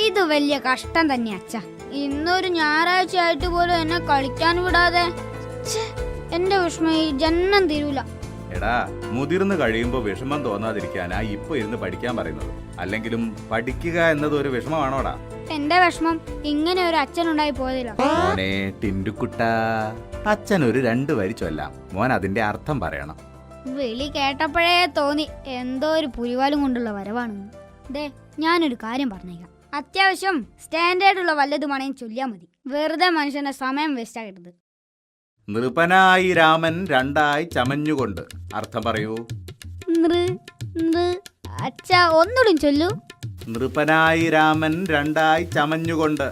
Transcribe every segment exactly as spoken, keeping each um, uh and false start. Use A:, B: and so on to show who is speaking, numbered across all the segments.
A: ഇത് വലിയ കഷ്ടം തന്നെ അച്ഛ. ഇന്നൊരു ഞായറാഴ്ച ആയിട്ട് പോലും എന്നെ കളിക്കാൻ വിടാതെ. എന്റെ വിഷമം ഈ ജന്മം തീരൂല.
B: എടാ, മുതിർന്നു കഴിയുമ്പോ വിഷമം തോന്നാതിരിക്കാനാ ഇപ്പൊ ഇരുന്ന് പഠിക്കാൻ പറയുന്നത്. അല്ലെങ്കിലും പഠിക്കുക എന്നത് ഒരു വിഷമമാണോടാ?
A: എന്റെ വിഷമം ഇങ്ങനെ ഒരു അച്ഛനുണ്ടായി പോയതില്ല.
B: മോനെ ടിൻഡുക്കുട്ട, അച്ഛൻ ഒരു രണ്ടു വരി ചൊല്ലാം. മോൻ അതിന്റെ അർത്ഥം പറയണം.
A: വിളി കേട്ടപ്പോഴേ തോന്നി എന്തോ ഒരു പുലിവാലും കൊണ്ടുള്ള വരവാണെന്ന്. ദേ, ഞാനൊരു കാര്യം പറഞ്ഞേക്കാം. അത്യാവശ്യം സ്റ്റാൻഡേർഡുള്ള വല്ലതുമാണെങ്കിൽ ചൊല്ലിയാൽ മതി. വെറുതെ മനുഷ്യന്റെ സമയം വേസ്റ്റ് ആകരുത്.
B: നൃപനായി രാമൻ രണ്ടായി ചമഞ്ഞുകൊണ്ട്. അർത്ഥം പറയൂ.
A: അച്ഛാ, ഒന്നുകൂടി ചൊല്ലൂ.
B: നൃപനായി രാമൻ രണ്ടായി ചമഞ്ഞുകൊണ്ട്.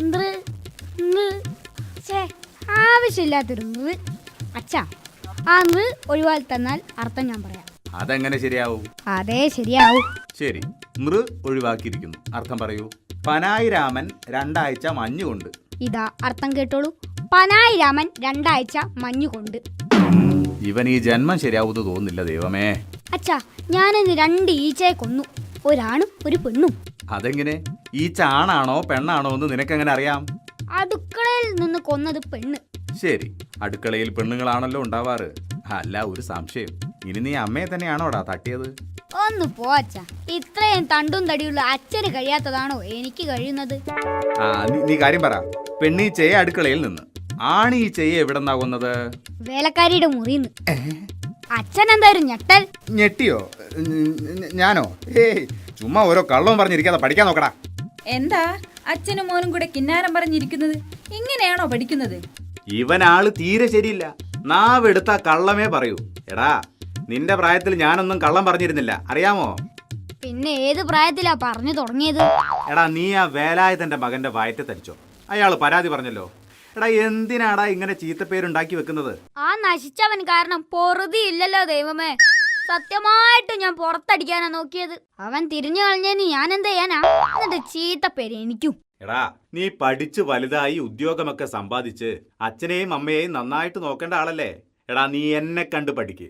A: ആവശ്യമില്ലാത്തൊരു നൃ. അച്ഛാ, ആ നൃ ഒഴിവാക്കി തന്നാൽ അർത്ഥം ഞാൻ പറയാം.
B: അതെങ്ങനെ ശരിയാവും?
A: അതേ ശരിയാവും.
B: ശരി, നൃ ഒഴിവാക്കിയിരിക്കുന്നു. അർത്ഥം പറയൂ. പനായി രാമൻ രണ്ടാഴ്ച മഞ്ഞുകൊണ്ട്.
A: ഇതാ അർത്ഥം കേട്ടോളൂ. പനായി രാമൻ രണ്ടാഴ്ച മഞ്ഞുകൊണ്ട്.
B: ഇവൻ ഈ ജന്മം ശരിയാവുന്നു തോന്നുന്നില്ല ദൈവമേ.
A: അച്ഛാ, ഞാനിന്ന് രണ്ട് ഈച്ചയെ കൊന്നു. ഒരാണും ഒരു പെണ്ണും.
B: അതെങ്ങനെ? ഈച്ച ആണാണോ പെണ്ണാണോ എന്ന് നിനക്കെങ്ങനെ അറിയാം?
A: അടുക്കളയിൽ നിന്ന് കൊന്നത് പെണ്ണ്.
B: ശരി, അടുക്കളയിൽ പെണ്ണുങ്ങളാണല്ലോ ഉണ്ടാവാറ്. അല്ല, ഒരു സംശയം. ഇനി നീ അമ്മയെ തന്നെയാണോടാ തട്ടിയത്?
A: ഒന്ന് പോ അച്ഛാ. ഇത്രയും തണ്ടും തടിയുള്ള അച്ഛന് കഴിയാത്തതാണോ എനിക്ക് കഴിയുന്നത്?
B: ആ നീ കാര്യം പറ. പെണ്ണീച്ചയെ അടുക്കളയിൽ നിന്ന്, ആണീച്ചയെ എവിടെന്നാ കൊന്നത്?
A: വേലക്കാരിയുടെ മുറിന്ന്. അച്ഛൻ എന്തായാലും ഞെട്ടൽ.
B: ഞെട്ടിയോ? ഞാനോ? ഏയ്, ചുമ്മാ ഓരോ കള്ളവും പറഞ്ഞിരിക്കാതെ പഠിക്കാൻ നോക്കടാ.
C: എന്താ അച്ഛനും മോനും കൂടെ കിന്നാരം പറഞ്ഞിരിക്കുന്നത്? ഇങ്ങനെയാണോ പഠിക്കുന്നത്?
B: ഇവനാള് തീരെ ശരിയില്ല. നാവെടുത്ത കള്ളമേ പറയൂ. എടാ, നിന്റെ പ്രായത്തിൽ ഞാനൊന്നും കള്ളം പറഞ്ഞിരുന്നില്ല, അറിയാമോ?
A: പിന്നെ ഏത് പ്രായത്തിലാ പറഞ്ഞു തുടങ്ങിയത്?
B: എടാ, നീ ആ വേലായുധന്റെ മകന്റെ വയറ്റ് തരിച്ചോ? അയാള് പരാതി പറഞ്ഞല്ലോ. എടാ, എന്തിനാടാ ഇങ്ങനെ ചീത്തപ്പേരുണ്ടാക്കി വെക്കുന്നത്?
A: ആ നശിച്ചവൻ കാരണം പൊറുതി ഇല്ലല്ലോ ദൈവമേ. സത്യമായിട്ട് ഞാൻ പുറത്തടിക്കാനാ നോക്കിയത്. അവൻ തിരിഞ്ഞു കളഞ്ഞേന് ഞാൻ എന്ത് ചെയ്യാനാ? എന്നിട്ട് ചീത്തപ്പേര് എനിക്കും.
B: എടാ, നീ പഠിച്ച് വലുതായി ഉദ്യോഗമൊക്കെ സമ്പാദിച്ച് അച്ഛനെയും അമ്മയെയും നന്നായിട്ട് നോക്കേണ്ട ആളല്ലേ? എടാ, നീ എന്നെ കണ്ട് പഠിക്ക്.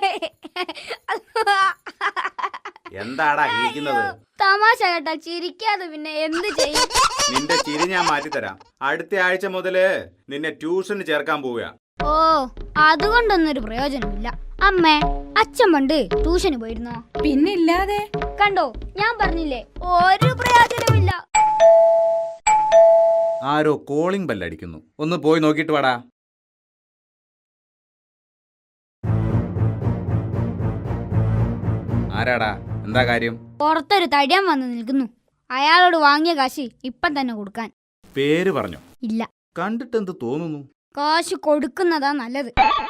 B: എന്താടാ ഇരിക്കുന്നത്?
A: തമാശ കേട്ടാ ചിരിക്കാതെ പിന്നെ എന്ത് ചെയ്യും?
B: നിന്റെ ചിരി ഞാൻ മാറ്റിത്തരാം. അടുത്ത ആഴ്ച മുതല് നിന്നെ ട്യൂഷന് ചേർക്കാൻ പോവുക.
A: ഓ, അതുകൊണ്ടൊന്നൊരു പ്രയോജനമില്ല. അമ്മേ, അച്ഛൻ പണ്ട് ട്യൂഷന് പോയിരുന്നോ?
C: പിന്നില്ലാതെ.
A: കണ്ടോ, ഞാൻ പറഞ്ഞില്ലേ, ഒരു പ്രയോജനമില്ല.
B: ആരോ കോളിംഗ് ബെല്ലടിക്കുന്നു. ഒന്ന് പോയി നോക്കിട്ട് വാടാ. ആരാടാ? എന്താ കാര്യം?
A: പുറത്തൊരു തടിയാൻ വന്ന് നിൽക്കുന്നു. അയാളോട് വാങ്ങിയ കാശ് ഇപ്പം തന്നെ കൊടുക്കാൻ.
B: പേര് പറഞ്ഞോ?
A: ഇല്ല.
B: കണ്ടിട്ട് എന്ത് തോന്നുന്നു?
A: കാശ് കൊടുക്കുന്നതാ നല്ലത്.